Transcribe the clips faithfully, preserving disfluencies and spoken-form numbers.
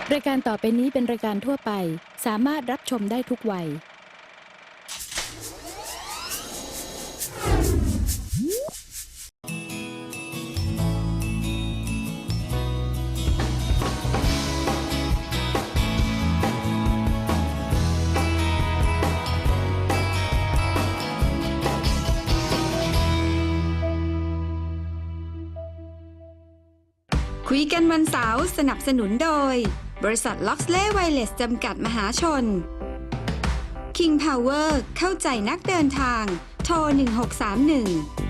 รายการต่อไปนี้เป็นรายการทั่วไปสามารถรับชมได้ทุกวัยคุยกันวันเสาร์สนับสนุนโดยบริษัทล็อกเล่ไวเลสจำกัดมหาชน King Power เข้าใจนักเดินทางโทรหนึ่งหกสามหนึ่ง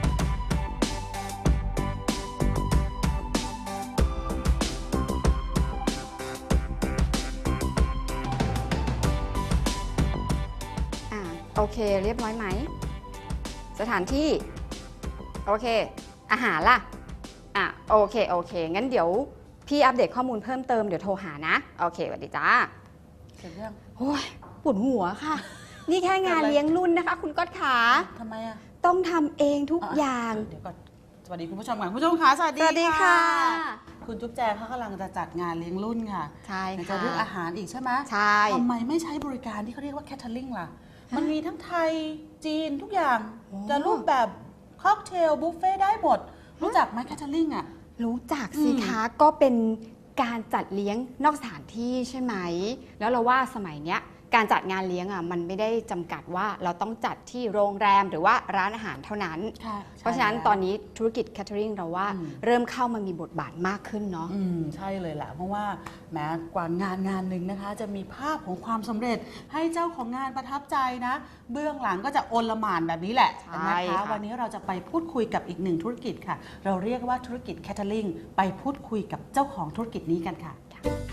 อ่าโอเคเรียบร้อยไหมสถานที่โอเคอาหารล่ะอ่ะโอเคโอเคงั้นเดี๋ยวพี่อัปเดตข้อมูลเพิ่มเติมเดี๋ยวโทรหานะโอเคสวัสดีจ้าเสร็จยังโอ้ยปวดหัวค่ะ นี่แค่งานเลี้ยงรุ่นนะคะคุณก๊อตขาทำไมอ่ะต้องทำเองทุกอย่างเดี๋ยวก่อนสวัสดีคุณผู้ชมก่อนคุณผู้ชมคะสวัสดีสวัสดีค่ะคุณจุ๊บแจเขากำลังจะจัดงานเลี้ยงรุ่นค่ะใช่ค่ะจะเรื่องอาหารอีกใช่ไหมใช่ทำไมไม่ใช้บริการที่เขาเรียกว่าแคทเทอริงล่ะมันมีทั้งไทยจีนทุกอย่างจะรูปแบบค็อกเทลบุฟเฟ่ได้หมดรู้จักไหมแคทเทอริงอ่ะรู้จักสิคะก็เป็นการจัดเลี้ยงนอกสถานที่ใช่ไหมแล้วเราว่าสมัยเนี้ยการจัดงานเลี้ยงอ่ะมันไม่ได้จำกัดว่าเราต้องจัดที่โรงแรมหรือว่าร้านอาหารเท่านั้นเพราะฉะนั้นตอนนี้ธุรกิจแคทเทอริงเราว่าเริ่มเข้ามามีบทบาทมากขึ้นเนาะอืมใช่เลยแหละเพราะว่าแม้กว่างานงานหนึ่งนะคะจะมีภาพของความสำเร็จให้เจ้าของงานประทับใจนะเบื้องหลังก็จะโอลหม่านแบบนี้แหละนะคะวันนี้เราจะไปพูดคุยกับอีกหนึ่งธุรกิจค่ะเราเรียกว่าธุรกิจแคทเทอริงไปพูดคุยกับเจ้าของธุรกิจนี้กันค่ะ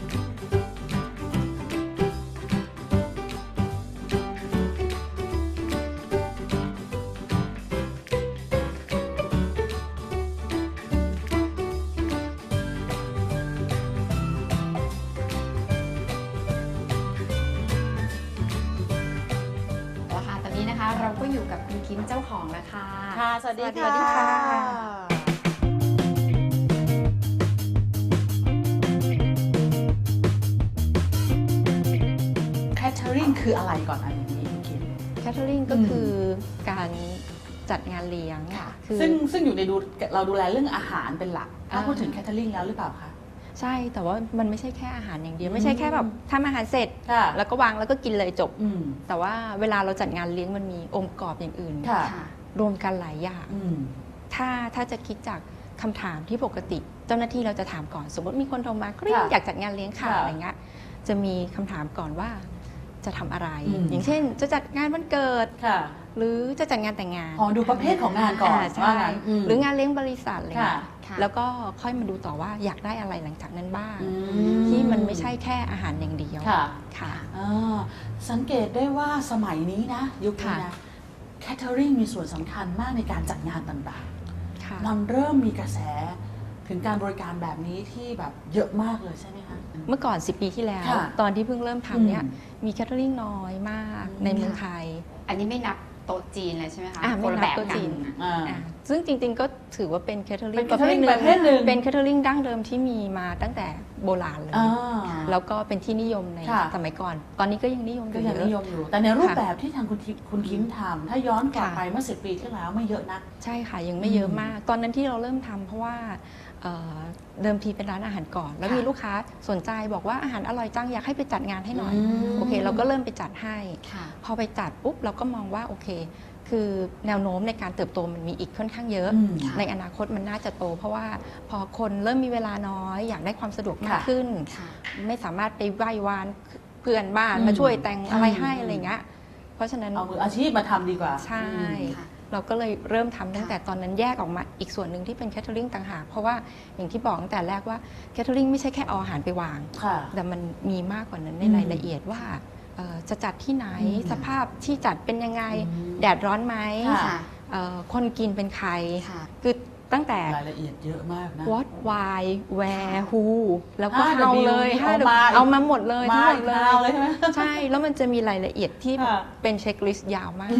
เราก็อยู่กับคุณคิมเจ้าของแล้วค่ะค่ะสวัสดีค่ะแคทเทอริงคืออะไรก่อนอันนี้คุณคิมแคทเทอริงก็คือการจัดงานเลี้ยงซึ่งซึ่งอยู่ในดูเราดูแลเรื่องอาหารเป็นหลักถ้าพูดถึงแคทเทอริงแล้วหรือเปล่าคะใช่แต่ว่ามันไม่ใช่แค่อาหารอย่างเดียวไม่ใช่แค่แบบทำอาหารเสร็จแล้วก็วางแล้วก็กินเลยจบแต่ว่าเวลาเราจัดงานเลี้ยงมันมีองค์ประกอบอย่างอื่นรวมกันหลายอย่างถ้าถ้าจะคิดจากคำถามที่ปกติเจ้าหน้าที่เราจะถามก่อนสมมติมีคนโทรมาก็อยากจัดงานเลี้ยงค่ะอะไรเงี้ยจะมีคำถามก่อนว่าจะทำอะไรอย่างเช่นจะจัดงานวันเกิดหรือจะจัดงานแต่งงานอ๋อดูประเภทของงานก่อนใช่หรืองานเลี้ยงบริษัทอะไรเงี้ยแล้วก็ค่อยมาดูต่อว่าอยากได้อะไรหลังจากนั้นบ้างที่มันไม่ใช่แค่อาหารอย่างเดียวค่ะค่ะสังเกตได้ว่าสมัยนี้นะยุคนี้นะแคทเทอริงมีส่วนสำคัญมากในการจัดงานต่างๆมันเริ่มมีกระแสถึงการบริการแบบนี้ที่แบบเยอะมากเลยใช่ไหมคะเมื่อก่อนสิบปีที่แล้วตอนที่เพิ่งเริ่มทำเนี่ยมีแคทเทอริงน้อยมากในเมืองไทยอันนี้ไม่นับโต๊ะจีนเลยใช่ไหมคะไม่นับโต๊ะจีนซึ่งจริงๆก็ถือว่าเป็นแคทเทอริงประเภทหนึ่งเป็นแคทเทอริงดั้งเดิมที่มีมาตั้งแต่โบราณเลยแล้วก็เป็นที่นิยมในสมัยก่อนตอนนี้ก็ยังนิยมอยู่ก็ยังนิยมอยู่แต่ในรูปแบบที่ทางคุณคุณคิมทำถ้าย้อนกลับไปเมื่อสิบปีที่แล้วไม่เยอะนักใช่ค่ะยังไม่เยอะมากตอนนั้นที่เราเริ่มทำเพราะว่าเดิมทีเป็นร้านอาหารก่อนแล้วมีลูกค้าสนใจบอกว่าอาหารอร่อยจังอยากให้ไปจัดงานให้หน่อยโอเคเราก็เริ่มไปจัดให้พอไปจัดปุ๊บเราก็มองว่าโอเคคือแนวโน้มในการเติบโตมันมีอีกค่อนข้างเยอะในอนาคตมันน่าจะโตเพราะว่าพอคนเริ่มมีเวลาน้อยอยากได้ความสะดวกมากขึ้นไม่สามารถไปไหว้วานเพื่อนบ้านมาช่วยแต่งอะไรให้อะไรเงี้ยเพราะฉะนั้นเอามืออาชีพมาทำดีกว่าใช่เราก็เลยเริ่มทำตั้งแต่ตอนนั้นแยกออกมาอีกส่วนหนึ่งที่เป็นแคทเทอริงต่างหากเพราะว่าอย่างที่บอกตั้งแต่แรกว่าแคทเทอริงไม่ใช่แค่เอาอาหารไปวางแต่มันมีมากกว่านั้นในรายละเอียดว่าจะจัดที่ไหนสภาพที่จัดเป็นยังไงแดดร้อนไหมคนกินเป็นใครคือตั้งแต่รายละเอียดเยอะมากนะ what why where who แล้วก็เอาเลยเอามาหมดเลยทั้งหมดเลยใช่แล้วมันจะมีรายละเอียดที่เป็นเช็คลิสต์ยาวมาก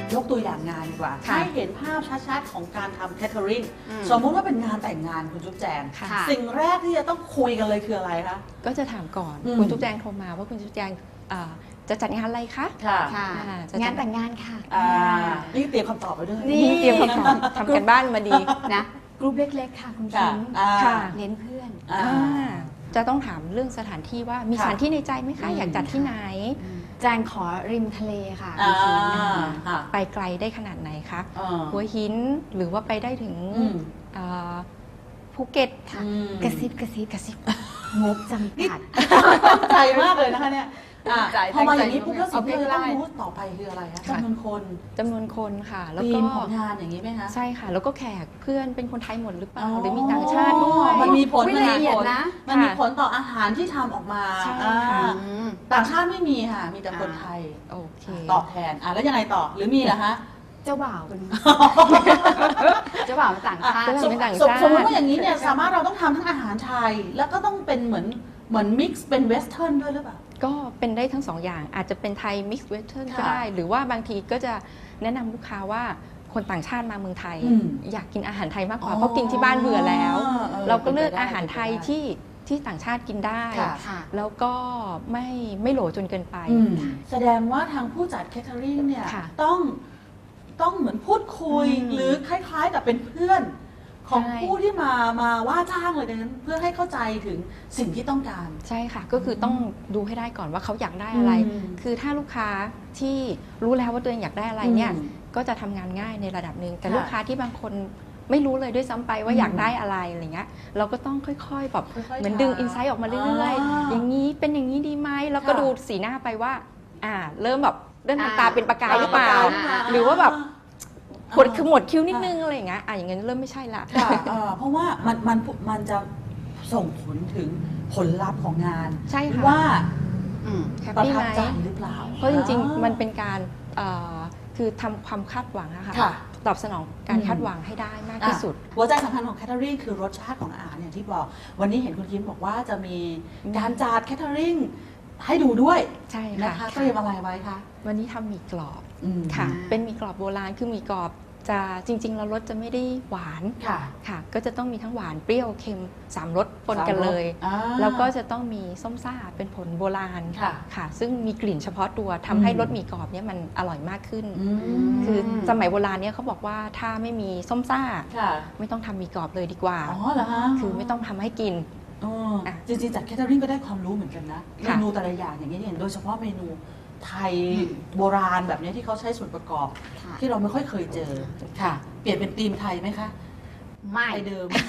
ยกตัวอย่างงานดีกว่าค่ะให้เห็นภาพชัดๆของการทำแคทเทอริงอืมสมมุติว่าเป็นงานแต่งงานคุณจุ๊บแจงค่ะสิ่งแรกที่จะต้องคุยกันเลยคืออะไรคะก็จะถามก่อนอืมคุณจุ๊บแจงโทรมาว่าคุณจุ๊บแจงเอ่อจะจัดงานอะไรคะค่ะค่ะอ่าจะงานแต่งงานค่ะอ่านี่เตรียมคำตอบไปด้วยนี่นี่เตรียมคำตอบทำกันบ้านมาดีนะกรุ๊ปเล็กๆค่ะคุณค่ะคิมอ่าค่ะเน้นเพื่อนอ่าอ่าจะต้องถามเรื่องสถานที่ว่ามีค่ะสถานที่ในใจไหมคะอืมอยากจัดที่ไหนแจงขอริมทะเลค่ะอ่าคุณคิมค่ะไปไกลได้ขนาดไหนคะอ่าหัวหินหรือว่าไปได้ถึงอืมเอ่อภูเก็ตค่ะอืมกระซิบกระซิบกระซิบงบจำกัดตั้งใจมากเลยนะคะเนี่ยอ่ะตั้งใจพอมาอย่างตั้งใจนี้ปุ๊บแล้วสิ่งที่เราเอาต้องใกล้ๆรู้ต่อไปคืออะไรคะค่ะจำนวนคนจำนวนคนค่ะ แล้วธีก็มของงานอย่างนี้ไหมคะใช่ค่ะ แล้วก็แขกเพื่อนเป็นคนไทยหมดหรือเปล่าอ๋อหรือมีต่างชาติด้วยมันมีผลอุ๊ยมันมีละเอียผดลนะมันมีผลต่ออาหารที่ทำออกมาใช่อ่าค่ะอืมต่างชาติไม่มีค่ะ มีแต่คนไทยโอเคตอบแทนอ่ะแล้วยังไงต่อหรือมีเหรอคะเจ้าบ่าวเป็น เจ้าบ่าวเป็นต่างชาติเจ้าบ่าว เป็นต่างชาติสมสมมติว่าอย่างนี้เนี่ยสามารถเราต้องทำทั้งอาหารไทย แล้วก็ต้องเป็นเหมือนเหมือนมิกซ์เป็นเวสเทิร์นด้วยหรือเปล่าก็เป็นได้ทั้งสองอย่างอาจจะเป็นไทยมิกซ์เวสเทิร์นค่ะก็ได้ หรือว่าบางทีก็จะแนะนำลูกค้าว่าคนต่างชาติมาเมืองไทยอืมอยากกินอาหารไทยมากกว่าอ๋อเพราะกินที่บ้านเบื่อแล้วเออเราก็เลือกเป็นไปได้อาหารไทยเป็นไปได้ที่ที่ต่างชาติกินได้ค่ะค่ะแล้วก็ไม่ไม่โหลจนเกินไปอืมแสดงว่าทางผู้จัดแคทเทอริงเนี่ยค่ะต้องต้องเหมือนพูดคุยอืมหรือคล้ายๆกับเป็นเพื่อนของใช่ผู้ที่มามาว่าจ้างเลยดังนั้นเพื่อให้เข้าใจถึงสิ่งที่ต้องการใช่ค่ะ ก็คือต้องดูให้ได้ก่อนว่าเขาอยากได้อะไรอืมคือถ้าลูกค้าที่รู้แล้วว่าตัวเองอยากได้อะไรเนี่ยอืมก็จะทำงานง่ายในระดับหนึ่งแต่ค่ะลูกค้าที่บางคนไม่รู้เลยด้วยซ้ำไปว่าอืมอยากได้อะไรอะไรเงี้ยเราก็ต้องค่อยๆแบบค่อยๆเหมือนดึงถามอินไซต์ออกมาเรื่อยอ่าๆ อย่างนี้เป็นอย่างนี้ดีไหมแล้วก็ค่ะดูสีหน้าไปว่า อ่า เริ่มแบบเริ่มอ่าทำตาเป็นประกายหรือเปล่าอ่าหรือว่าแบบอ่าหดคือหมดคิ้วนิดนึงอะไรอย่างเงี้ยอ่ะอย่างเงี้ยเริ่มไม่ใช่ละค่ะเอ่อเพราะว่ามันมันมันจะส่งผลถึงผลลัพธ์ของงานใช่ค่ะว่าอืมแฮปประปี้ทัไหบมใจหรือเปล่าเพราะจริงอ่าๆ มันเป็นการเอ่อคือทำความคาดหวังอะค่ะค่ะตอบสนองการอืมคาดหวังให้ได้มากที่สุดอ่ะหัวใจสำคัญของแคทเทอริงคือรสชาติของอาหารอย่างที่บอก วันนี้เห็นคุณคิมบอกว่าจะมีการจัดแคทเทอริงให้ดูด้วยใช่นะค่ะคะเตรียมอะไรไว้คะวันนี้ทำหมี่กรอบอืมค่ะอ่าเป็นหมี่กรอบโบราณคือหมี่กรอบจะจริงๆแล้วรสจะไม่ได้หวานค่ะค่ะ ก็จะต้องมีทั้งหวานเปรี้ยวเค็มสามรสปนกันเลยอ่าแล้วก็จะต้องมีส้มซ่าเป็นผลโบราณค่ะค่ะ ซึ่งมีกลิ่นเฉพาะตัวทำให้อืมรสหมี่กรอบเนี่ยมันอร่อยมากขึ้นอืมคือสมัยโบราณเนี่ยเขาบอกว่าถ้าไม่มีส้มซ่าค่ะไม่ต้องทำหมี่กรอบเลยดีกว่าอ๋อเหรอฮะคือไม่ต้องทำให้กินอ๋ออ่ะจริงๆจัดแคทเทอริงก็ได้ความรู้เหมือนกันนะเมค่ะนูแต่ละอย่างอย่างนี้ยอย่างโดยเฉพาะเมนูไทยอืมโบราณแบบนี้ที่เขาใช้ส่วนประกอบค่ะที่เราไม่ค่อยเคยเจอค่ะ เปลี่ยนเป็นธีมไทยไหมคะไม่ไทยเดิม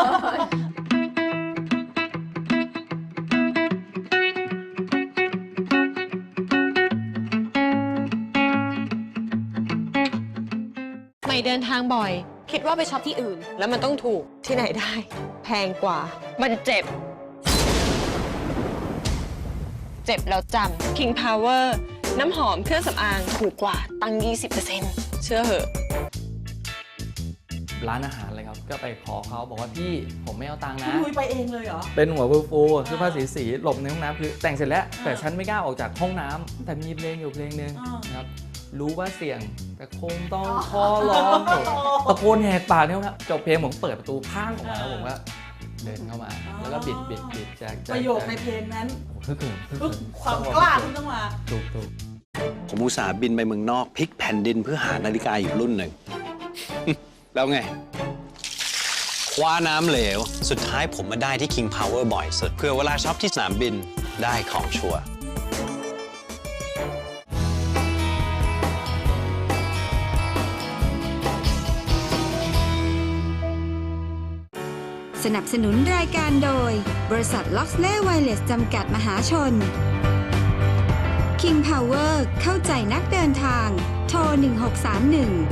ไม่เดินทางบ่อย คิดว่าไปช็อปที่อื่น แล้วมันต้องถูกที่ไหนได้ แพงกว่า มันเจ็บ เจ็บแล้วจำ King Power น้ำหอมเครื่องสำอางถูกกว่าตั้ง ยี่สิบเปอร์เซ็นต์ เชื่อเหอะร้านอาหารเลยครับ ก็ไปขอเขาบอกว่าพี่ผมไม่เอาตังค์คุณนะลุยไปเองเลยเหรอเป็นหัวฟูฟูเสื้อผ้าสีสีหลบในห้องน้ำคือแต่งเสร็จแล้ว แต่ฉันไม่กล้าออกจากห้องน้ำแต่มีเพลงอยู่เพลงหนึ่งอ่านนะครับรู้ว่าเสี่ยงแต่คงต้องขอร้องตะโกนแหกปากเนี่ยครับจบเพลงผมเปิดประตูพังออกมาแล้วผมก็เดินเข้ามา แล้วก็บิดบิดบิดแจกแจกประโยคในเพลงนั้นโอ้โหฮึกเหิมฮึกคือเหิมความกล้าที่ต้องมาถูกถูกผมอุตส่าห์บินไปเมืองนอกพลิกแผ่นดินเพื่อหานาฬิกาอีกรุ่นหนึ่ง แล้วไง คว้าน้ำเหลว สุดท้ายผมมาได้ที่ King Power บ่อยสุดเพื่อเวลาช็อปที่สนามบินได้ของชัวร์สนับสนุนรายการโดย บริษัทล็อกเล่ไวเลสจำกัดมหาชน King Power เข้าใจนักเดินทาง โทร หนึ่งหกสามหนึ่ง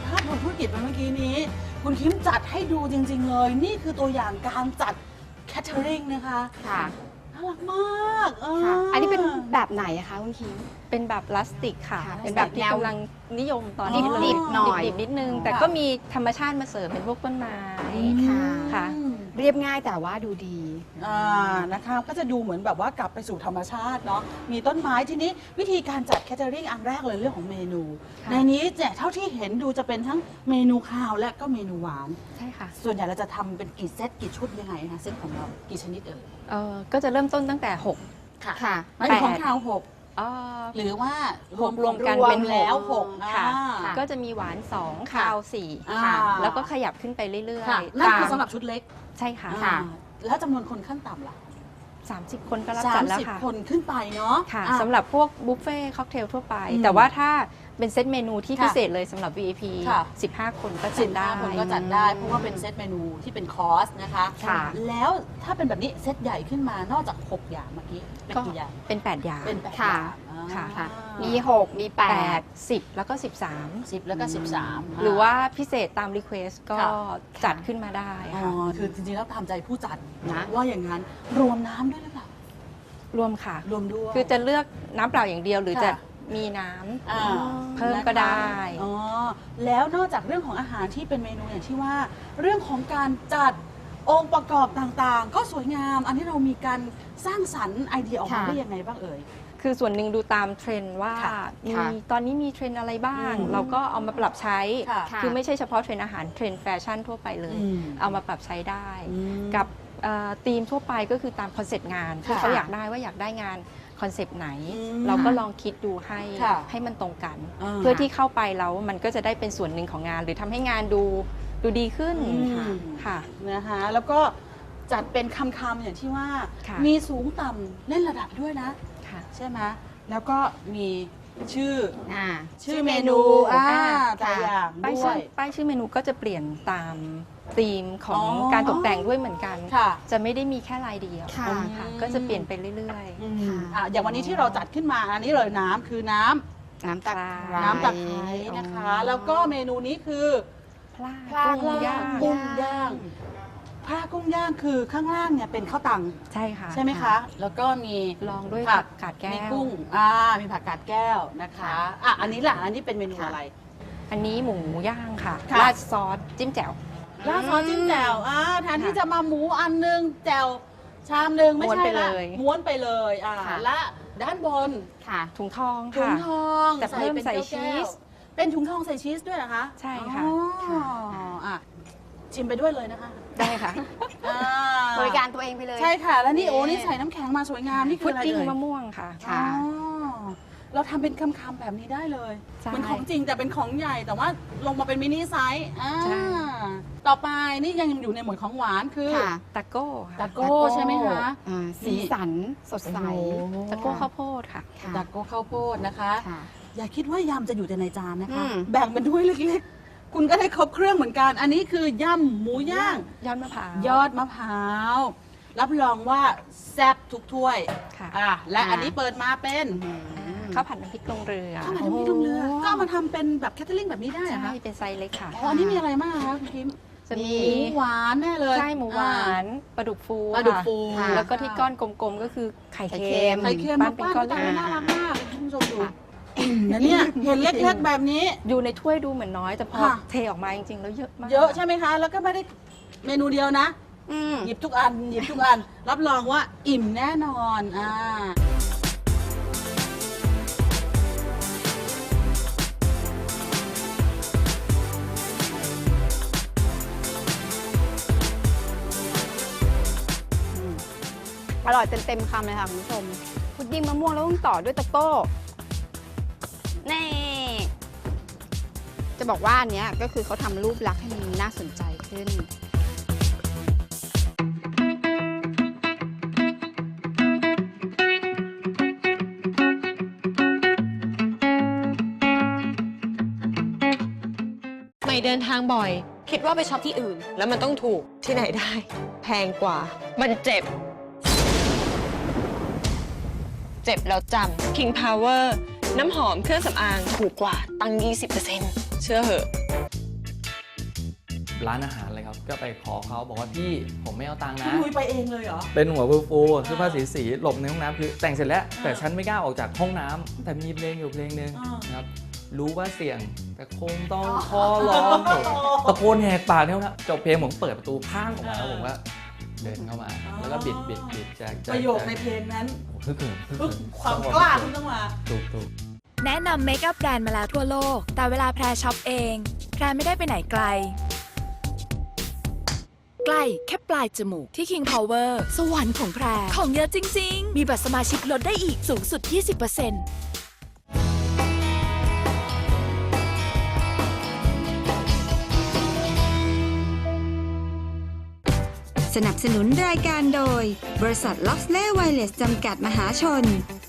ภาพรวมธุรกิจมาเมื่อกี้นี้ คุณคิมจัดให้ดูจริงๆเลย นี่คือตัวอย่างการจัดแคทเทอริงนะคะค่ะน่ารักมากเออค่ะอันนี้เป็นแบบไหนอะคะคุณคิมเป็นแบบพลาสติกค่ะค่ะเป็นแบบที่แนวกำลังนิยมตอนนี้เลยดิบๆหน่อยดิบๆนิดนึง แต่ค่ะก็มีธรรมชาติมาเสริมเป็นพวกต้นไม้ค่ะค่ะอืมเรียบง่ายแต่ว่าดูดีอ่านะคะก็จะดูเหมือนแบบว่ากลับไปสู่ธรรมชาติเนาะมีต้นไม้ทีนี้วิธีการจัดแคทเทอริงอันแรกเลยเรื่องของเมนูค่ะในนี้เนี่ยเท่าที่เห็นดูจะเป็นทั้งเมนูข้าวและก็เมนูหวานใช่ค่ะส่วนใหญ่เราจะทำเป็นกี่เซตกี่ชุดยังไงคะเซตของเรากี่ชนิดเอ่ยเอ่อก็จะเริ่มต้นตั้งแต่หกค่ะไม่ถึงของข้าวหกเอ่อหรือว่าหกรวมกันรวเป็นหกแล้วหกค่ะอ่าก็จะมีหวานสองค่ะคาวสี่อ่าค่ะ แล้วก็ขยับขึ้นไปเรื่อยค่ะๆนั่นคือตามสำหรับชุดเล็กใช่ค่ะอ่าแล้วจำนวนคนขั้นต่ำล่ะสามสิบคนก็รับสาจัมดแล้วสิบค่ะคนขึ้นไปเนาะค่ะอ่าสำหรับพวกบุฟเฟ่ค็อกเทลทั่วไปอืมแต่ว่าถ้าเป็นเซตเมนูที่ค่ะพิเศษเลยสำหรับ วี ไอ พีค่ะสิบห้า คนก็สิจับดได้ห้าคนก็จัดได้ เพราะว่าเป็นเซตเมนูที่เป็นคอร์สนะคะค่ะแล้วถ้าเป็นแบบนี้เซตใหญ่ขึ้นมานอกจาก หก อย่างเมื่อกี้เป็นก็กี่อย่างเป็นแปดอย่างเป็นแปดอค่ะย่างค่ะค่ะมีมีหกมีแปแปดดสิบแล้วก็สิบสามสิบแล้วก็สิบสามหรือว่าพิเศษตามรีเควสก็ค่ะจัดขึ้นมาได้อ๋อค่ะคือจริงๆแล้วตามใจผู้จัดนะว่าอย่างนั้นรวมน้ำด้วยหรือเปล่ารวมค่ะรวมด้วยคือจะเลือกน้ำเปล่าอย่างเดียวหรือค่ะจะมีน้ำอ่าเพิ่มก็ได้อ๋อแล้วนอกจากเรื่องของอาหารที่เป็นเมนูอย่างที่ว่า เรื่องของการจัดองค์ประกอบต่างๆ ก็สวยงาม อันนี้เรามีการสร้างสรรค์ไอเดียออกมาค่ะได้ยังไงบ้างเอ่ยคือส่วนหนึ่งดูตามเทรนด์ว่าค่ะมีค่ะตอนนี้มีเทรนด์อะไรบ้างอืมเราก็เอามาปรับใช้ค่ะคือไม่ใช่เฉพาะเทรนด์อาหารเทรนด์แฟชั่นทั่วไปเลยอืมเอามาปรับใช้ได้อืมกับเอ่อธีมทั่วไปก็คือตามคอนเซปต์งานที่ค่ะเขาอยากได้ว่าอยากได้งานคอนเซปต์ไหนอืมเราก็ลองคิดดูให้ค่ะให้มันตรงกันอ่าเพื่อที่เข้าไปแล้วมันก็จะได้เป็นส่วนหนึ่งของงาน หรือทำให้งานดูดูดีขึ้นอืมค่ะนะคะแล้วก็จัดเป็นคำๆอย่างที่ว่าค่ะมีสูงต่ำเล่นระดับด้วยนะค่ะใช่ไหมแล้วก็มีชื่ออ่าชื่อเมนูอ่าแต่ละอย่างป้ายด้วชื่อย ป้ายชื่อเมนูก็จะเปลี่ยนตามธีมของอ๋อการตกแต่งด้วยเหมือนกันค่ะจะไม่ได้มีแค่ลายเดียวค่ะค่ะก็จะเปลี่ยนไปเรื่อยอืมค่ะอ่ะอย่างวันนี้ที่เราจัดขึ้นมาอันนี้เลยน้ำคือน้ำน้ำตาลน้ำตะไคร้นะคะ แล้วก็เมนูนี้คือๆพลาพลากุ้งย่างกุ้งย่างพลากุ้งย่างคือข้างล่างเนี่ยเป็นข้าวตังใช่ค่ะใช่ไหมคะ แล้วก็มีลองด้วยผัผักกกาดแก้มีวกุ้งอ่ามีผักกาดแก้วนะคะอ่ะอันนี้แหละอันนี้เป็นเมนูอะไรอันนี้หมูย่างค่ะค่ะราดซอสจิ้มแจ่วราดซอสจิ้มแจ่วอ่าแทนที่ค่ะจะมาหมูอันหนึงแจ่วชามหนึ่งไม่ม้วนใช่ไปละเลยม้วนไปเลยอ่าค่ะและด้านบนค่ะถุงทองถุงค่ะทองแต่เพิ่มเป็นใส่แก้วๆชีสเป็นถุงทองใส่ชีสด้วยเหรอคะใช่ค่ะอ๋อค่ะอ่ะชิมไปด้วยเลยนะคะได้ค่ะอ่าบริการตัวเองไปเลยใช่ค่ะ แล้วนี่นี่โอ้นี่ใส่น้ำแข็งมาสวยงามนี่คืพุอดอะไรดิ้งเอ่ยมะม่วงค่ะค่ะอ๋อเราทำเป็นคำๆแบบนี้ได้เลยใช่เหมือนของจริงแต่เป็นของใหญ่แต่ว่าลงมาเป็นมินิไซส์อ่าใช่ต่อไปนี่ยังอยู่ในหมวดของหวานคือค่ะตะโก้ค่ะตะโก้ใช่ไหมคะอ่าสีสันสดใสตะโก้ข้าวโพดค่ะค่ะตะโก้ข้าวโพดนะคะค่ะอย่าคิดว่ายำจะอยู่แต่ในจานนะคะอืมแบ่งเป็นถ้วยเล็กๆ คุณก็ได้ครบเครื่องเหมือนกัน อันนี้คือยำหมูย่างยอดมะพร้าวยอดมะพร้าว รับรองว่าแซ่บทุกถ้วยค่ะอ่ะและค่ะอันนี้เปิดมาเป็นอืมข้าวผัดน้ำพริกลงเรือข้าวผัดน้ำพริกลงเรือ ก็เอามาทำเป็นแบบแคทเทอริงแบบนี้ได้เหรอใช่คะเป็นไซส์เล็กค่ะอ๋ออันนี้มีอะไรมากคะคุณพิมจะมีหมูหวานแน่เลยไส้หมูหวานปลาดุกฟูปลาดุกค่ะฟูค่ะแล้วก็ที่ก้อนกลมๆก็คือไข่ไข่เค็เค็มมไข่เค็มปั้มานเป็นปั้นก้อนแต่เล็กน่ารักมากคุณผู้ชมดูนะเนี่ยเห็นเล็กๆแบบนี้อยู่ในถ้วยดูเหมือนน้อย แต่พอค่ะเทออกมาจริงๆ แล้วเยอะมากเยอะใช่ไหมคะ แล้วก็ไม่ได้เมนูเดียวนะอืมหยิบทุกอัน หยิบทุกอัน รับรองว่าอิ่มแน่นอนอ่าอร่อยเต็มๆคำเลยค่ะคุณผู้ชม พุดดิ้งมะม่วงแล้วต้องต่อด้วยตะโก้นี่จะบอกว่าอันเนี้ยก็คือเขาทำรูปลักษณ์ให้มันน่าสนใจขึ้นไม่เดินทางบ่อย คิดว่าไปช็อปที่อื่น แล้วมันต้องถูกที่ไหนได้ แพงกว่า มันเจ็บ เจ็บแล้วจำ King Power น้ำหอมเครื่องสำอางถูกกว่าตั้ง ยี่สิบเปอร์เซ็นต์ เชื่อเหอะร้านอาหารเลยครับก็ไปขอเขาบอกว่าพี่ผมไม่เอาตังค์คุณนะลุยไปเองเลยเหรอเป็นหัวฟูฟูเสื้อผ้าสีสีหลบในห้องน้ำคือแต่งเสร็จแล้วแต่ฉันไม่กล้าออกจากห้องน้ำแต่มีเพลงอยู่เพลงนึงนะครับรู้ว่าเสี่ยงแต่คงต้องขอร้องตะโกนแหกปากเนี่ยนะจบเพลงผมเปิดประตูพังออกมาแล้วผมว่าเดินเข้ามาแล้วก็บิดบิดบิดแจกประโยคในเพลงนั้นฮึกเหิมฮึกปึ๊บเหิมความกล้าคุณต้องมาถูกถูกแนะนำเมคอัพแบรนด์มาแล้วทั่วโลก แต่เวลาแพรช็อปเอง แพรไม่ได้ไปไหนไกล ใกล้แค่ปลายจมูกที่ King Power สวรรค์ของแพร ของเยอะจริง ๆ มีบัตรสมาชิกลดได้อีกสูงสุด ยี่สิบเปอร์เซ็นต์สนับสนุนรายการโดย บริษัทล็อกเล่ไวเลสจำกัดมหาชน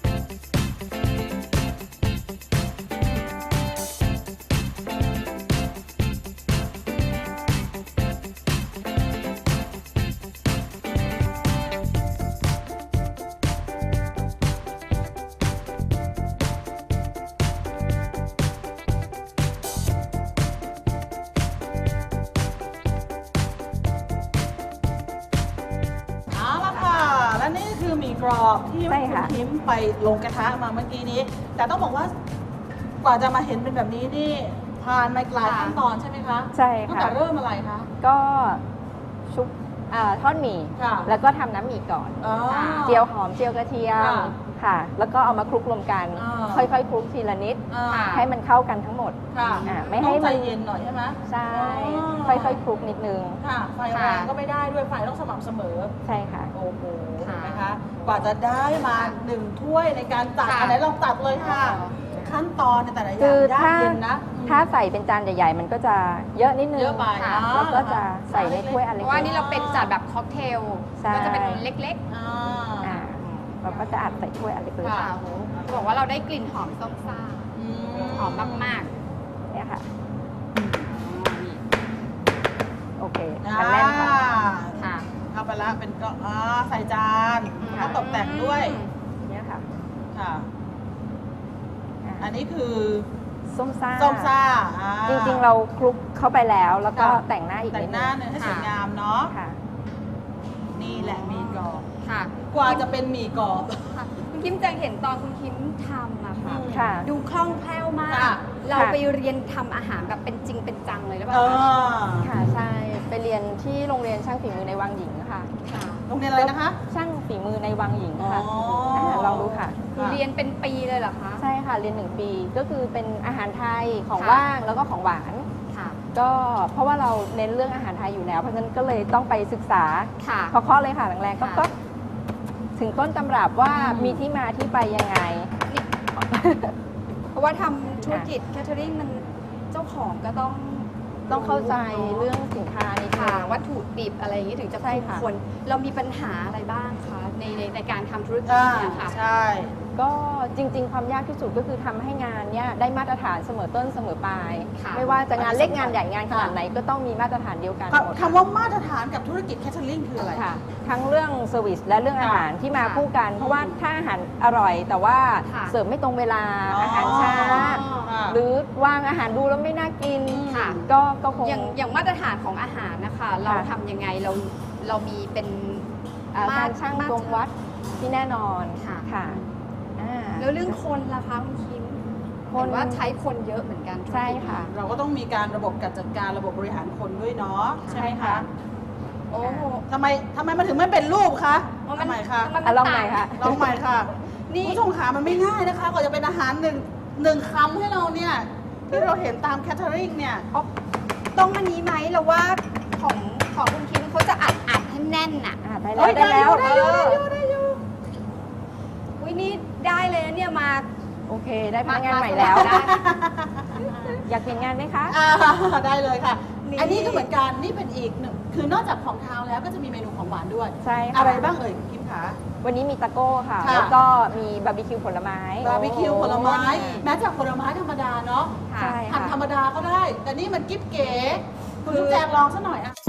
เอาละค่ะ และนี่คือหมี่กรอบที่ใช่คุณค่ะพิมพ์ไปลงกระทะมาเมื่อกี้นี้ แต่ต้องบอกว่ากว่าจะมาเห็นเป็นแบบนี้นี่ผ่านมาหลายขั้นตอนใช่ไหมคะใช่ตั้งค่ะแต่เริ่มอะไรคะก็ชุบอ่าทอดหมี่ค่ะแล้วก็ทำน้ำหมี่ก่อนอ๋อเจียวหอมเจียวกระเทียมค่ะค่ะ แล้วก็เอามาคลุกรวมกันอ่าค่อยๆคลุกทีละนิดอ่าให้มันเข้ากันทั้งหมดค่ะอ่าไม่ต้อให้งใจมันเย็นหน่อยใช่ไหมใช่อ๋อค่อยๆคลุกนิดนึงค่ะ ไฟแรงก็ไม่ได้ด้วยไฟต้องสม่ำเสมอใช่ค่ะโอ้โหเห็ค่ะนไหมคะ กว่าจะได้มาหนึ่งถ้วยในการตัดค่ะอันไหนลองตัดเลยค่ะ ขั้นตอนในแต่ละอย่าคืงอยากถ้าเย็นนะถ้าใส่เป็นจานใหญ่ๆ มันก็จะเยอะนิดนึงเยอะไปค่ะนะแล้วก็จะใส่ในถ้วยอันเพเล็กราะว่านี่เราเป็นจัดแบบค็อกเทลใช่ก็จะเป็นเล็กอ่าๆอ่าเราก็จะอัดใส่ถ้วยอันเล็กๆค่ะโอ้โหบอกว่าเราได้กลิ่นหอมส้มซ่าอืมหอมมากๆเนี่ยค่ะๆโอเคอ่ามันแน่นค่ะค่ะเข้าไปละเป็นก็อ่าใส่จานอืมแล้วตกแต่งด้วยเนี่ยค่ะค่ะอ่าอันนี้คือส้มซ่าส้มซ่าอ่าจริงๆ เราคลุกเข้าไปแล้ว แล้วก็ค่ะแต่งหน้าอีกแต่นิงดหนึน้าง เนื้อให้สวยงามเนาะค่ะนี่แหละหมีกรอบค่ะกว่าจะเป็นหมี่กรอบคุณคิมจะเห็นตอนคุณคิมทำอะค่ะค่ะดูคล่องแคล่วมากค่ะเราค่ะไปเรียนทำอาหารแบบเป็นจริงเป็นจังเลยหรือเปเอล่าคะอค่ะ ใช่ ไปเรียนที่โรงเรียนช่างฝีมือในวังหญิงค่ะค่ะโรงเรียนอะไรนะคะช่างฝีมือในวังหญิงอ๋อค่ะาลองดูค่ะคือเรียนเป็นปีเลยเหรอคะใช่ค่ะ เรียนหนึ่งปี ก็คือเป็นอาหารไทย ของค่ะว่าง แล้วก็ของหวานค่ะก็เพราะว่าเราเน้นเรื่องอาหารไทยอยู่แล้ว เพราะฉะนั้นก็เลยต้องไปศึกษาค่ะเคาะๆเลยค่ะแรงๆก็ค่ะก็ถึงต้นตำรับว่าอืมมีที่มาที่ไปยังไงเพราะว่าทำธุรกิจแคทเทอริงมันเจ้าของก็ต้องต้องเข้าใจเรื่องสินค้านิดนึค่ะงวัตถุดิบอะไรอย่างนี้ถึงจะใช่คุ้มค่ะคน เรามีปัญหาอะไรบ้างคะในในในการทำธุรกิจอ่าเนี่ยค่ะใช่ก็จริง ๆ ความยากที่สุดก็คือทำให้งานเนี้ยได้มาตรฐานเสมอต้นเสมอปลายค่ะไม่ว่าจะงานเล็กงานใหญ่งานขนาดค่ะไหนก็ต้องมีมาตรฐานเดียวกันหมดคำว่ามาตรฐานกับธุรกิจแคทเทอริงคืออะไรค่ะ ทั้งเรื่องเซอร์วิสและเรื่องอาหารที่มาค่ะคู่กัน เพราะว่าถ้าอาหารอร่อย แต่ว่าค่ะเสิร์ฟไม่ตรงเวลาอ๋อออาหารช้าค่ะหรือวางอาหารดูแล้วไม่น่ากินค่ะก็ก็คงอย่างอย่างมาตรฐานของอาหารนะคะ เราทำยังไงเราเรามีเป็นเอ่อการช่างตรงวัดที่แน่นอนค่ะค่ะอ่าแล้วเรื่องคนล่ะคะคุณคิมคนเห็นว่าใช้คนเยอะเหมือนกันธุรกิจใช่ค่ะเราก็ต้องมีการระบบการจัดการระบบบริหารคนด้วยเนาะใช่ไหมใช่ค่ะคะโอ้โหทำไมทำไมมันถึงไม่เป็นรูปคะเพราะทำไมคะมันอ่ะลองใหม่ค่ะลองใหม่ค่ะนี่คุณผู้ชมขามันไม่ง่ายนะคะกว่าจะเป็นอาหารหนึ่งหนึ่งคำให้เราเนี่ยที่เราเห็นตามแคทเทอริงเนี่ยต้องอันนี้ไหมเราว่าของของคุณคิมเขาจะอัดอัดให้แน่นน่ะอ่าได้เอ้แล้วยได้แล้วได้อยู่ได้อยู่ได้อยู่อุ้ยนี่ได้เลยนะเนี่ยมาโอเค ได้พนักงานมาใหม่แล้วได้อยากเปลี่ยนงานไหมคะอ่าได้เลยค่ะนี่อันนี้ก็เหมือนกันนี่เป็นอีกหนึ่งคือนอกจากของคาวแล้วก็จะมีเมนูของหวานด้วยใช่ค่ะอะไรบ้างเอ่ยคุณคิมคะวันนี้มีตะโก้ค่ะค่ะแล้วก็มีบาร์บีคิวผลไม้บาร์บีคิวผลไม้โอ้ยแม้จากผลไม้ธรรมดาเนาะค่ะใช่หั่นค่ะธรรมดาก็ได้ แต่นี่มันกิ๊บเก๋คุณจุ๊บแจงลองซะหน่อยอะ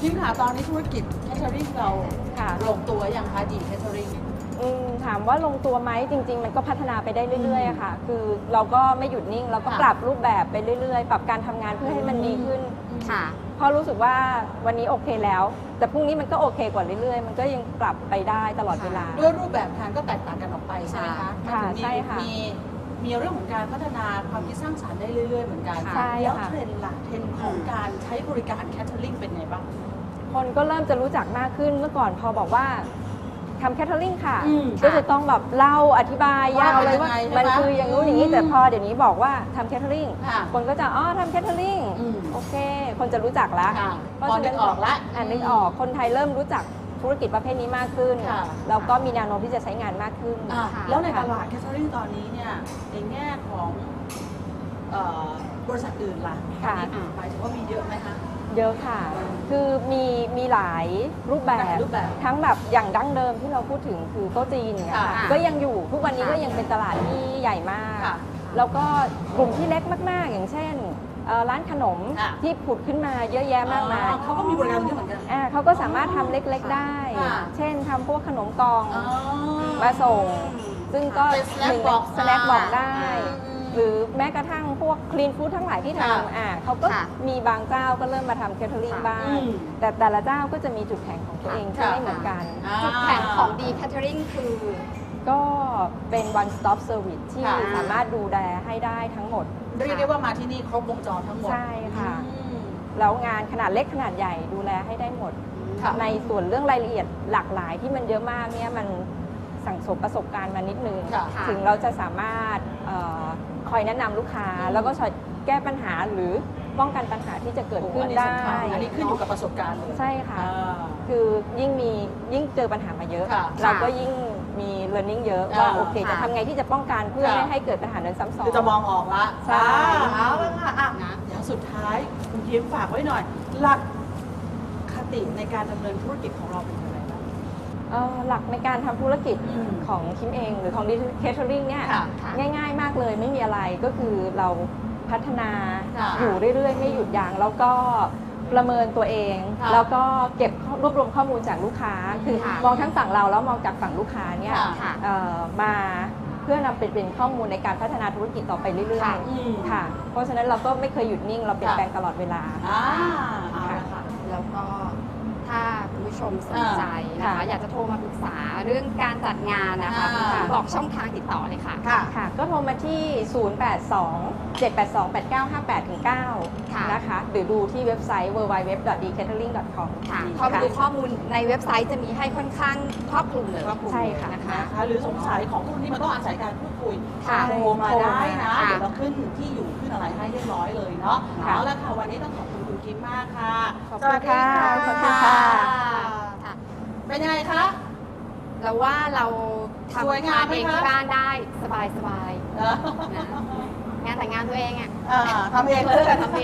คิมค่ะตอนนี้ธุรกิจแคทเทอริงเราค่ะลงตัวยังคะดีแคทเทอริงอืมถามว่าลงตัวไหมจริง ๆ มันก็พัฒนาไปได้เรื่อยๆอะค่ะ คือเราก็ไม่หยุดนิ่งเราก็ค่ะปรับรูปแบบไปเรื่อยๆ ปรับการทำงานเพื่อให้มันดีขึ้นค่ะเพราะรู้สึกว่าวันนี้โอเคแล้ว แต่พรุ่งนี้มันก็โอเคกว่าเรื่อยๆ มันก็ยังปรับไปได้ตลอดเวลาด้วยรูปแบบงานก็แตกต่างกันออกไปใช่ไหมคะค่ะมันถึงมีใช่ค่ะมีมีเรื่องของการพัฒนาความคิดสร้างสรรค์ได้เรื่อยๆเหมือนกันใช่แล้วค่ะเทรนด์ล่ะเทรนด์ของการใช้บริการแคทเทอริงเป็นไงบ้างคนก็เริ่มจะรู้จักมากขึ้นเมื่อก่อนพอบอกว่าทำแคทเทอริงค่ะอืมก็จะต้องแบบเล่าอธิบายยาวเลยว่าว่าเป็นยังไงมันใช่ไหมคืออย่างนู้นอย่างนี้อืมแต่พอเดี๋ยวนี้บอกว่าทำแคทเทอริงค่ะคนก็จะอ๋อทำแคทเทอริงอืมโอเค คนจะรู้จักแล้วค่ะเพราะพอฉะนึนั้กนออกละอ่านนึกออกคนไทยเริ่มรู้จักธุรกิจประเภทนี้มากขึ้นค่ะแล้วก็มีแนวโน้มที่จะใช้งานมากขึ้นอ่ะค่ะแล้วในตลาดแคทเทอริงตอนนี้เนี่ยในแง่ของเอ่อบริษัทอื่นล่ะค่ะอันนี้หมายถึงว่ามีเยอะไหมคะเยอะค่ะ คือมีมีหลายรูปแบหลาบยรูปแบบทั้งแบบอย่างดั้งเดิมที่เราพูดถึงคือโต๊ะจีนอย่างเงี้ยค่ะค่ะก็ยังอยู่ทุกวันนี้ก็ยังเป็นตลาดที่ใหญ่มากค่ะแล้วก็กลุ่มที่เล็กมาก ๆ อย่างเช่นเอ่อร้านขนมค่ะที่ผุดขึ้นมาเยอะแยะมากมายอ๋อเขาก็มีบริการเยอะเหมือนกันอ่าเขาก็สามารถทำเล็ก ๆ ได้ค่ะเช่นทำพวกขนมกล่องอ๋อมาส่ง ซึ่งก็เป็น snack หนึ่ง box สแน็คบอกได้อืมหรือแม้กระทั่งพวกคลีนฟู้ดทั้งหลายที่ค่ะทำอ่าเขาก็ค่ะมีบางเจ้าก็เริ่มมาทำแคทเทอริงบ้างอืมแต่แต่ละเจ้าก็จะมีจุดแข็งของตัวเองที่ค่ะไม่เหมือนกันอ่าจุดแข็งของดีแคทเทอริงคือก็เป็น one stop service ที่ค่ะสามารถดูแลให้ได้ทั้งหมดเรียกได้ว่ามาที่นี่ครบวงจรทั้งหมดใช่ค่ะอืมแล้วงานขนาดเล็กขนาดใหญ่ดูแลให้ได้หมดค่ะในส่วนเรื่องรายละเอียดหลากหลายที่มันเยอะมากเนี่ยมันสั่งสมประสบการณ์มานิดนึงค่ะถึงเราจะสามารถเออคอยแนะนำลูกค้าอืมแล้วก็ช่วยแก้ปัญหาหรือป้องกันปัญหาที่จะเกิดโอ้ขึ้อันนนี้ได้สำคัญอันนี้ขึ้นอยู่กับประสบการณ์เลยใช่ค่ะอ่าคือยิ่งมียิ่งเจอปัญหามาเยอะค่ะเราก็ยิ่งมี learning เยอะอ่าว่าโอเคค่ะจะทำไงที่จะป้องกันเพื่อค่ะไม่ให้เกิดปัญหานั้นซ้ำซ้อนคือจะมองออกละใช่อ่าเอาละค่ะอ่ะอย่างสุดท้ายคุณคิมฝากไว้หน่อย หลักคติในการดำเนินธุรกิจของเราเป็นยังไงบ้างเอ่อหลักในการทำธุรกิจอืมของคิมเองหรือของ Catering เนี่ยค่ะง่ายๆมากเลยไม่มีอะไรก็คือเราพัฒนาค่ะอยู่เรื่อยๆ ไม่หยุดยั้งแล้วก็ประเมินตัวเองค่ะแล้วก็เก็บข้อรวบรวมข้อมูลจากลูกค้า คือค่ะมองทั้งฝั่งเราแล้วมองจากฝั่งลูกค้าเนี่ยค่ะเอ่อมาเพื่อนำไปเป็นข้อมูลในการพัฒนาธุรกิจต่อไปเรื่อยค่ะอืมๆค่ะ เพราะฉะนั้นเราก็ไม่เคยหยุดนิ่งเราเปลี่ยนค่ะแปลงตลอดเวลาอ่าเอาละค่ะแล้วก็ถ้าคุณผู้ชมสนใจนะคะค่ะอยากจะโทรมาปรึกษาเรื่องการจัดงานนะคะอ่าบอกช่องทางติดต่อเลยค่ะค่ะค่ะก็โทรมาที่ ศูนย์ แปด สอง เจ็ด แปด สอง แปด เก้า ห้า แปด เก้าค่ะนะคะ หรือดูที่เว็บไซต์ ดับเบิลยู ดับเบิลยู ดับเบิลยู ดอท ดี แคทเทอริง ดอท คอมค่ะพอมาดูข้อมูลในเว็บไซต์จะมีให้ค่อนข้างครอบคลุมเลยใช่ค่ะนะคะนะคะหรือสงสัยของพวกนี้มันต้องอาศัยการพูดคุยค่ะโทรมาได้นะค่ะเดี๋ยวเราขึ้นที่อยู่ขึ้นอะไรให้เรียบร้อยเลยเนาะค่ะเอาละค่ะวันนี้ต้องขอบคุณคุณคิมมากค่ะขอบคุณค่ะสวัสดีขอบคุณค่ะค่ะเป็นยังไงคะเราว่าเราสวยทำงามทานไหมเองคะที่บ้านได้สบายสบายเออๆนะงานแต่งงานตัวเองอ่ะอ่าทำเองเลยทำเอง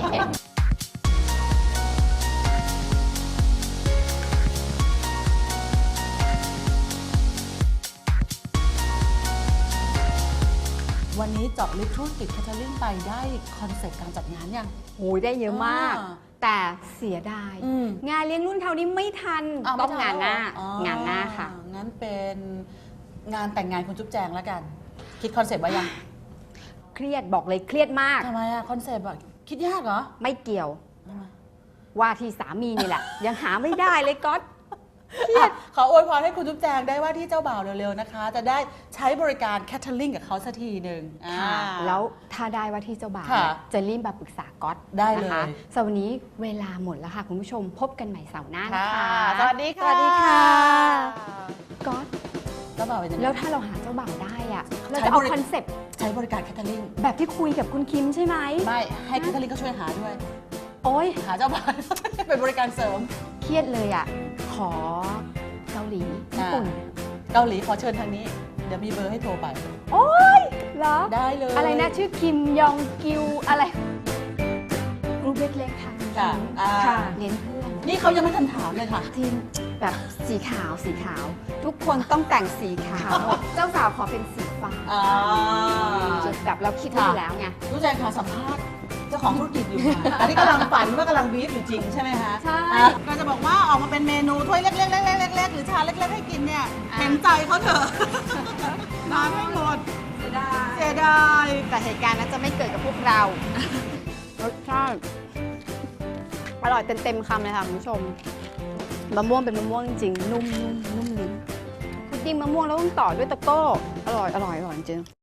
วันนี้เจาะลึกธุรกิจแคทเทอริงไปได้คอนเซ็ปต์การจัดงานยังโอ้ยได้เยอะมากอ่าแต่เสียดายอืมงานเลี้ยงรุ่นเท่านี้ไม่ทันอ้วต้องไม่งานหน้าอ๋องานหน้าค่ะงั้นเป็นงานแต่งงานคุณจุ๊บแจงแล้วกัน คิดคอนเซ็ปต์ไว้ยังเครียดบอกเลยเครียดมากทำไมอะคอนเซ็ปต์อะคิดยากเหรอไม่เกี่ยวทำไมว่าที่สามีนี่แหละ ยังหาไม่ได้เลยก๊อตอ่ะขออวยพรให้คุณจุ๊บแจงได้ว่าที่เจ้าบ่าวเร็วๆนะคะ จะได้ใช้บริการแคทเทอริงกับเขาสักทีหนึ่งอ่าค่ะแล้วถ้าได้ว่าที่เจ้าบ่าวค่ะจะรีบมาปรึกษาก๊อตได้เลยนะคะสำหรับวันนี้เวลาหมดแล้วค่ะ คุณผู้ชมพบกันใหม่เสาร์หน้านะคะสวัสดีค่ะสวัสดีค่ะก๊อตเจ้าบ่าวเป็นยังไงแล้วถ้าเราหาเจ้าบ่าวได้อะเราใช้จะเอาบริคอนเซปต์ใช้บริการแคทเทอริงแบบที่คุยกับคุณคิมใช่ไหมไม่ให้แคทเทอริงก็ช่วยหาด้วยโอ๊ยหาเจ้าบ่าว เป็นบริการเสริมเครียดเลยอะขอเกาหลีญี่ปุ่นเกาหลีขอเชิญทางนี้ เดี๋ยวมีเบอร์ให้โทรไปโอ๊ยเหรอได้เลยอะไรนะชื่อคิมยองกิวอะไรกรุ๊ปเล็กๆค่ะค่ะอ่าค่ะเลี้ยงเพื่อนนี่เขายังไม่ทันถามเลยค่ะทีมแบบสีขาวสีขาว ทุกคนต้องแต่งสีขาวหมดเจ้าสาวขอเป็นสีฟ้าอ่าจุดแบบเราคิดไว้อยู่แล้วไงรู้ใจค่ะสัมภาษณ์เจ้าของธุรกิจอยู่ค่ะอันนี้กำลังฝันว่ากำลังบีฟอยู่จริงใช่ไหมคะใช่อ่ะก็จะบอกว่าออกมาเป็นเมนูถ้วยเล็กๆเล็กๆเล็กๆหรือชามเล็กๆให้กินเนี่ยเห็นใจเขาเถอะทานไม่หมดเสียดายเสียดายแต่เหตุการณ์นั้นจะไม่เกิดกับพวกเรา รสชาติอร่อยเต็มๆคำเลยค่ะคุณผู้ชมมะม่วงเป็นมะม่วงจริงๆนุ่มๆนุ่มลิ้นพุดดิ้งมะม่วงแล้วต้องต่อด้วยตะโก้อร่อยอร่อยอร่อยจริง